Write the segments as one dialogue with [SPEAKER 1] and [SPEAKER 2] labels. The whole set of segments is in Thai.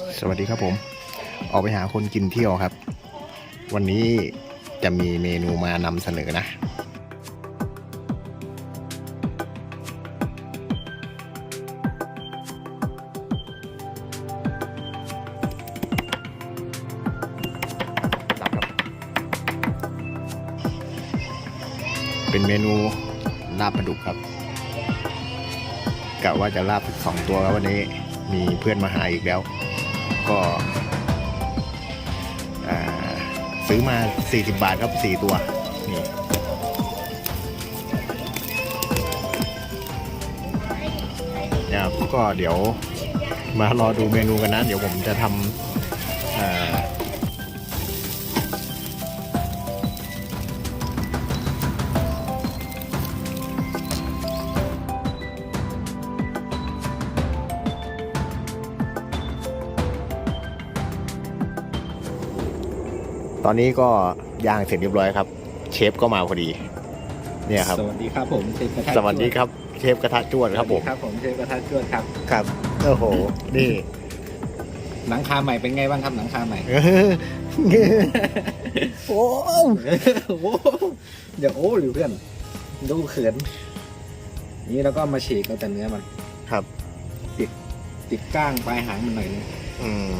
[SPEAKER 1] สวัสดีครับผมออกไปหาคนกินเที่ยวครับ วันนี้จะมีเมนูมานำเสนอนะรับครับเป็นเมนูลาบปลาดุกครับกะว่าจะลาบ2 ตัวแล้ววันนี้มีเพื่อนมาหาอีกแล้วก็ซื้อมา40 บาทครับ4 ตัวนี่นะครับก็เดี๋ยวมารอดูเมนูกันนะเดี๋ยวผมจะทำตอนนี้ก็ย่างเสร็จเรียบร้อยครับเชฟก็มาพอดีเนี่ยครับ
[SPEAKER 2] สวัสดีครับผมเชฟกระทะ
[SPEAKER 1] สวัสดีครับเชฟกระทะจวดครับผม
[SPEAKER 2] ครับผมเชฟกระทะจวดครับ
[SPEAKER 1] ครับโอ้โหนี่
[SPEAKER 2] หนังคาใหม่เป็นไงบ้างครับหนังคาใหม่
[SPEAKER 1] โอ้
[SPEAKER 2] โอ้เดี๋ยวโอ้หรือเพื่อนดูเขินนี่แล้วก็มาฉีกเอาแต่เนื้อมัน
[SPEAKER 1] ครับ
[SPEAKER 2] ติดก้างปลายหางมันหน่อยนึง
[SPEAKER 1] อืม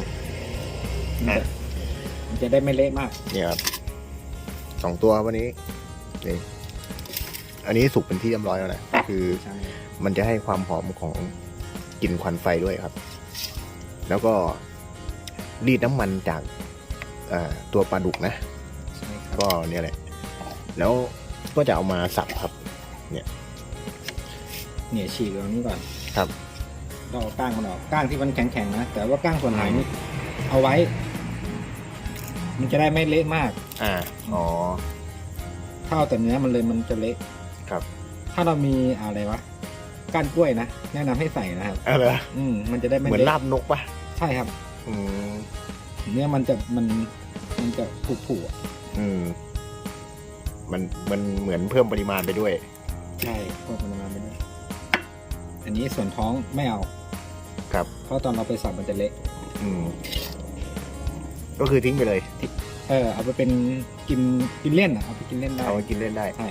[SPEAKER 2] มันจะได้ไม่เละมาก
[SPEAKER 1] เนี่ยครับ2 ตัววันนี้นี่อันนี้สุกเป็นที่เรียบร้อยแล้วนะคือ
[SPEAKER 2] ใช่
[SPEAKER 1] มันจะให้ความหอมของกลิ่นควันไฟด้วยครับ แล้วก็รีดน้ำมันจากตัวปลาดุกนะ
[SPEAKER 2] ใช่ครับ
[SPEAKER 1] ก็เนี่ยแหละแล้วก็จะเอามาสับครับ
[SPEAKER 2] เนี่ยฉีกตรงนี้ก่อน
[SPEAKER 1] ครับ
[SPEAKER 2] เราเอาก้างมันออกก้างที่มันแข็งๆนะแต่ว่าก้างส่วนหางนี่เอาไว้ มันจะได้ไม่เละมาก
[SPEAKER 1] อ๋อ
[SPEAKER 2] ถ้าเอาแต่เนื้อมันเลยมันจะเละ
[SPEAKER 1] ครับ
[SPEAKER 2] ถ้าเรามีอะไรวะก้านกล้วยนะแนะนำให้ใส่นะครับ
[SPEAKER 1] เหรอ
[SPEAKER 2] มันจะได้ไม่
[SPEAKER 1] เหมือน
[SPEAKER 2] ละ
[SPEAKER 1] ลาบนกปะ
[SPEAKER 2] ใช่ครับ
[SPEAKER 1] อืม
[SPEAKER 2] เนี่ยมันจะผุๆอ่ะ
[SPEAKER 1] อืมมันเหมือนเพิ่มปริมาณไปด้วย
[SPEAKER 2] ใช่พวกมันมาไม่ได้อันนี้ส่วนท้องไม่เอา
[SPEAKER 1] ครับ
[SPEAKER 2] เพราะตอนเราไปสับมันจะเละ
[SPEAKER 1] อืมก็คือทิ้งไปเลย
[SPEAKER 2] เอาไปเป็นกินเล่นอ่ะเอาไปกินเล่นได้
[SPEAKER 1] เอาไปกินเล่นได้
[SPEAKER 2] ใช่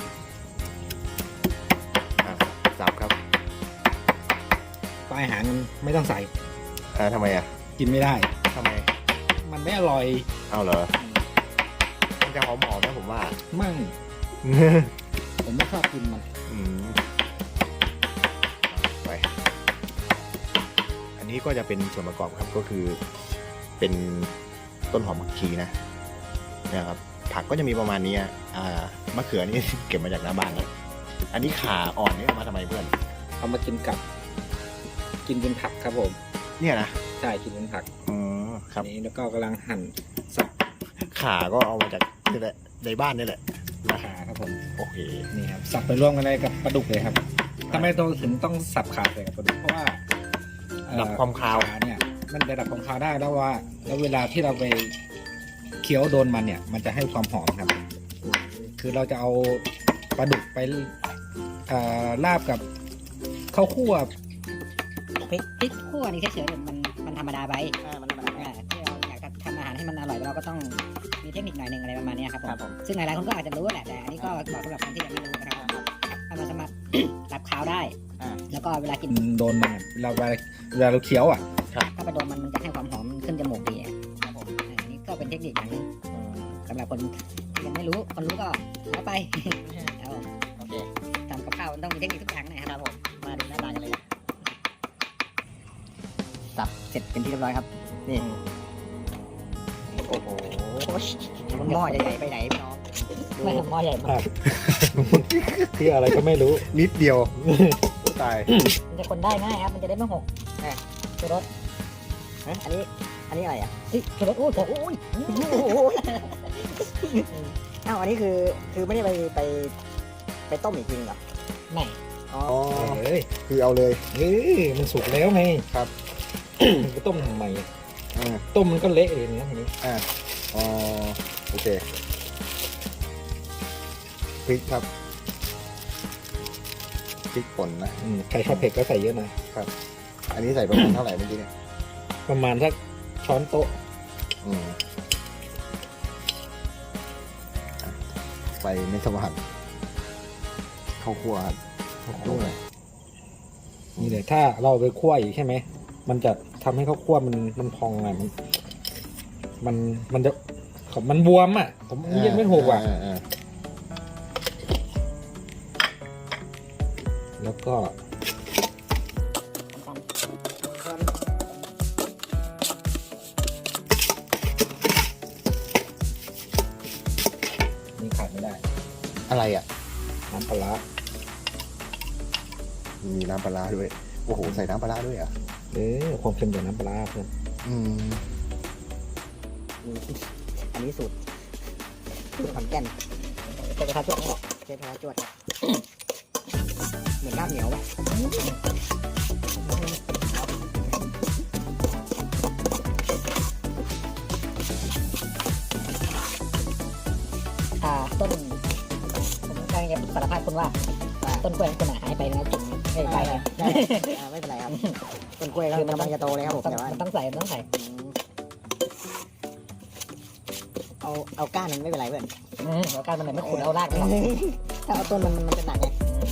[SPEAKER 1] สับครับ
[SPEAKER 2] ปลายหางมันไม่ต้องใส่
[SPEAKER 1] ทำไมอ่ะ
[SPEAKER 2] กินไม่ได้
[SPEAKER 1] ทำไม
[SPEAKER 2] มันไม่อร่อย
[SPEAKER 1] เอาเหรอมันจะหอมๆนะผมว่า
[SPEAKER 2] มั่งผมไม่ชอบกินมัน
[SPEAKER 1] อืมไปอันนี้ก็จะเป็นส่วนประกอบครับก็คือเป็นต้นหอมผักชีนะนะครับผักก็จะมีประมาณนี้มะเขือนี่ เก็บมาจากหน้าบ้านนะอันนี้ขาอ่อนนี่เอามาทำไมเพื่อน
[SPEAKER 2] เอามากินกับกินเป็นผักครับผม
[SPEAKER 1] เนี่ยนะ
[SPEAKER 2] ใช่กินเป็นผัก
[SPEAKER 1] อืมครับ
[SPEAKER 2] อันนี้แล้วก็กำลังหั่นสับ
[SPEAKER 1] ขาก็เอามาจากนี่แหละในบ้านนี่แหละนะ
[SPEAKER 2] ขาครับผม
[SPEAKER 1] โอเค
[SPEAKER 2] นี่ครับสับไปร่วมกันเลยกับปลาดุกเลยครับทำไมตัวถึงต้องสับขาใส่กับปลาดุกเพราะว่า
[SPEAKER 1] ดับความคาว
[SPEAKER 2] ขาเนี่ยมันจะดับความคาวได้แล้วเวลาที่เราไปเคี้ยวโดนมันเนี่ย มันจะให้ความหอมครับ คือเราจะเอาปลาดุกไปลาบกับข้าวคั่ว
[SPEAKER 3] พริกคั่วนี่เฉยๆมันธรรมดาไปที่เราอยากจะทำอาหารให้มันอร่อยเราก็ต้องมีเทคนิคหน่อยหนึ่งอะไรประมาณนี้ครับผมซึ่งหลายๆคนก็อาจจะรู้แหละแต่อันนี้ก็บอกสำหรับคนที่ยังไม่รู้นะครับทำมาสามารถ ดับคาวได้แล้วก็เวลากิน
[SPEAKER 2] โดนมันเวลาเราเคี้ยวอ่ะ
[SPEAKER 3] ถ้าไปโดนมันจะให้ความหอมขึ้นจมูกดีครับผมอันนี้ก็เป็นเทคนิคอย่างนึงสำหรับคนที่ยังไม่รู้คนรู้ก็แล้วไปครับผมโอเคทำกับข้าวมันต้องมีเทคนิคทุกอย่างนะครับผมมาดูหน้าตากันเลยสับเสร็จเป็นที่เรียบร้อยครับนี่โอ้โหหม้อใหญ่ๆไปไหนพี่น้องไม่หม้อใหญ่มาก
[SPEAKER 2] คืออะไรก็ไม่รู้
[SPEAKER 1] นิดเดียวตาย
[SPEAKER 3] มันจะคนได้ง่ายครับมันจะได้ไม่หกชูรสอันนี้อะไรอ่ะชูรสโอ้ยอ้าวอันนี้คือไม่ได้ไปต้มอีกทีเหรอไม่อ๋อ
[SPEAKER 2] เอ้ย
[SPEAKER 1] คือเอาเลย
[SPEAKER 2] มันสุกแล้วไง
[SPEAKER 1] ครับ
[SPEAKER 2] มันก็ต้มทำไม
[SPEAKER 1] อ่า
[SPEAKER 2] ต้มมันก็เละเลยนะทีนี้
[SPEAKER 1] อ๋อโอเคพริกครับพริกป่นนะ
[SPEAKER 2] ใครชอบเผ็ดก็ใส่เยอะนะ
[SPEAKER 1] อันนี้ใส่ประมาณเท่าไหร่เมื่อกี้เนี่ย
[SPEAKER 2] ประมาณสักช้อนโต๊ะ
[SPEAKER 1] อืมไฟไม่สว่างข้าวคั่วครับข้าวคั่ว
[SPEAKER 2] นี่เลยถ้าเราไปคั่วอีกใช่ไหมมันจะทำให้ข้าวคั่วมันพองไงมันจะมันบวมอ่ะผมเรียกไม่ถูกอ่ะแล้วก็นี่ขาดไม่ได้
[SPEAKER 1] อะไรอ่ะ
[SPEAKER 2] น้ำปลาร้า
[SPEAKER 1] มีน้ำปลาร้าด้วยโอ้โหใส่น้ำปลาร้าด้วยอ่ะ
[SPEAKER 2] ความเค็มจากน้ำปลาร้าเพื่อน
[SPEAKER 3] อันนี้สูตรขอนแก่นเชฟกระทะจวดนี่หรอเชฟกระทะจวดครับเหมือนลาบเหนียวป่ะต้นผมกำลังจะสารภาพคุณว่าต้นกล้วยของคุณหายไปนะจุดไม่ไปเลยไม่เป็นไรครับต้นกล้วยก็กำลังจะโตเลยครับผมแต่ว่ามันต้องใส่เอาก้านมันไม่เป็นไรเพื่อนเอาก้านมันไม่ขุดเอารากมันถ้าเอาต้นมันจะหนักไง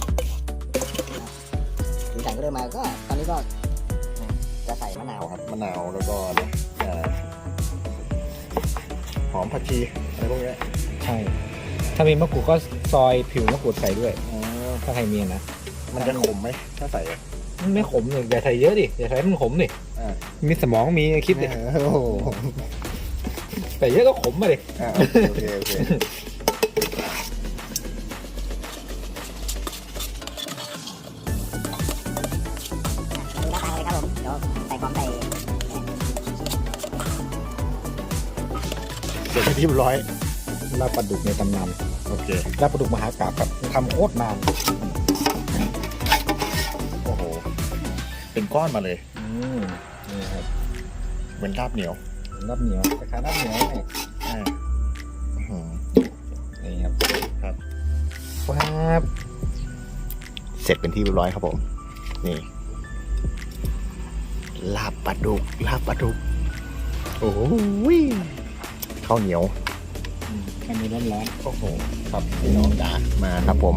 [SPEAKER 3] ถึงใส่ก็เริ่มมาก็ตอนนี้ก็จะใส่มะนาว
[SPEAKER 1] ครับมะนาวแล้วก็หอมผักชีอะไรพวกนี้
[SPEAKER 2] ใช่ถ้ามีมะกรูดก็ซอยผิวมะกรูดใส่ด้วยถ้าใครมีนะ
[SPEAKER 1] มันจะขมไหมถ้าใส่
[SPEAKER 2] มันไม่ขมเลยอย่าใส่เยอะดิอย่าใส่ให้มันขมดิมีสมองมีคิดดิ
[SPEAKER 1] โอ้โห
[SPEAKER 2] แต่เยอะก็ขมมาดิ
[SPEAKER 1] โอเคโอเค
[SPEAKER 3] ดูหน้าตาเลยครับผมเดี๋ยวใส่ของใส่
[SPEAKER 1] เสร็จเป็นที่เรียบร้อย
[SPEAKER 2] ลาบปลาดุกในตำนาน
[SPEAKER 1] โอเค
[SPEAKER 2] ลาบปลาดุกมหากาพย์ครับทำโคตรนาน
[SPEAKER 1] โอ้โหเป็นก้อนมาเลย
[SPEAKER 2] นี่ครับ
[SPEAKER 1] เหมือนลาบเหนียว
[SPEAKER 2] ลาบเหนียวคล้ายๆลาบเหนียวนี่ นี่ครับ
[SPEAKER 1] ครับ
[SPEAKER 2] ครับ
[SPEAKER 1] เสร็จเป็นที่เรียบร้อยครับผมนี่ลาบปลาดุกโอ้โหข้าวเหนียว
[SPEAKER 2] แค่มีร้อน
[SPEAKER 1] โอ้โหครับพี่น้องจ๋ามาครับผม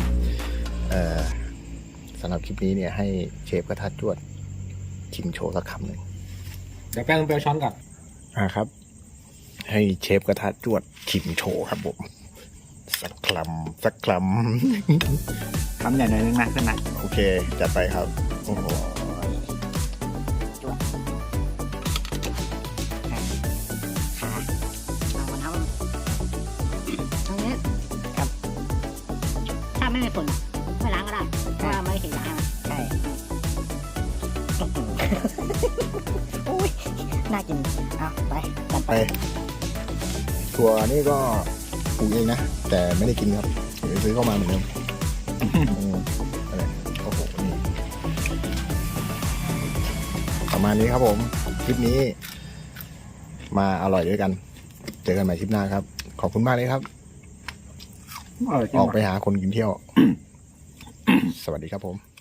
[SPEAKER 1] สำหรับคลิปนี้เนี่ยให้เชฟกระทะจวดชิมโชว์สักคำหนึ่ง
[SPEAKER 2] เดี๋ยวแป้งเปรี้ยวช้อนก่อน
[SPEAKER 1] ครับ ให้เชฟกระทะจวดชิมโชว์ครับผมสักคำ
[SPEAKER 2] คำใหญ่หน่อยนึงนะเพื่อนนะ
[SPEAKER 1] โอเคจัดไปครับโอ้โห
[SPEAKER 3] ขาเอามันเอาตรงนี้ครับถ้าไม่มีฝุ่นไม่ล้างก็ได้เพราะว่าไม่ถึงล้างใช่โอ้ยน่ากินเอาไปจัดไป
[SPEAKER 1] ถั่วนี่ก็ปลูกเองนะแต่ไม่ได้กินครับเดี๋ยวซื้อเข้ามาเหมือนเดิมอะไรโอ้โหนี่ประมาณนี้ครับผมคลิปนี้ มาอร่อยด้วยกัน เจอกันใหม่คลิปหน้าครับ ขอบคุณมากเลยครับ ออกไปหาคนกินเที่ยว สวัสดีครับผม